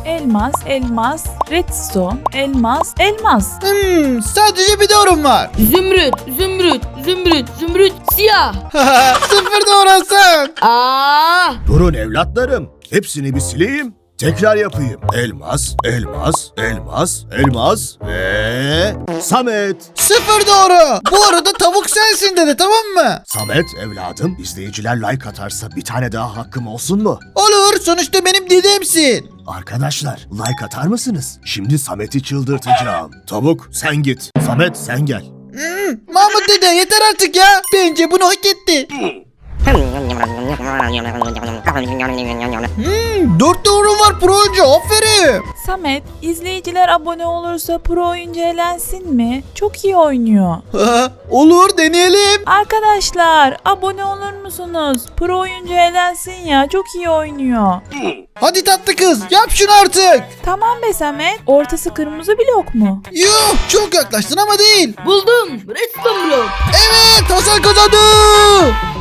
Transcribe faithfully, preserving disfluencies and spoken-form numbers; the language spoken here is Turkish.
elmas, elmas, redstone, elmas, elmas. Hmm, sadece bir doğrum var. Zümrüt, zümrüt, zümrüt, zümrüt, siyah. Sıfır doğru Hasan. Aa! Durun evlatlarım. Hepsini bir sileyim. Tekrar yapayım. Elmas, elmas, elmas, elmas ve Samet. Sıfır doğru. Bu arada tavuk sensin dedi, tamam mı? Samet evladım, izleyiciler like atarsa bir tane daha hakkım olsun mu? Olur, sonuçta benim dedemsin. Arkadaşlar like atar mısınız? Şimdi Samet'i çıldırtacağım. Tavuk sen git. Samet sen gel. Hmm, Mahmut dede yeter artık ya. Bence bunu hak etti. Hmm, dört doğru var pro oyuncu, aferin. Samet, izleyiciler abone olursa pro oyuncu elensin mi? Çok iyi oynuyor. Olur, deneyelim. Arkadaşlar abone olur musunuz? Pro oyuncu elensin ya, çok iyi oynuyor. Hadi tatlı kız, yap şunu artık. Tamam be Samet. Ortası kırmızı blok mu? Yuh, çok yaklaştın ama değil. Buldum. Redstone blok. Evet, Hasan kazandı.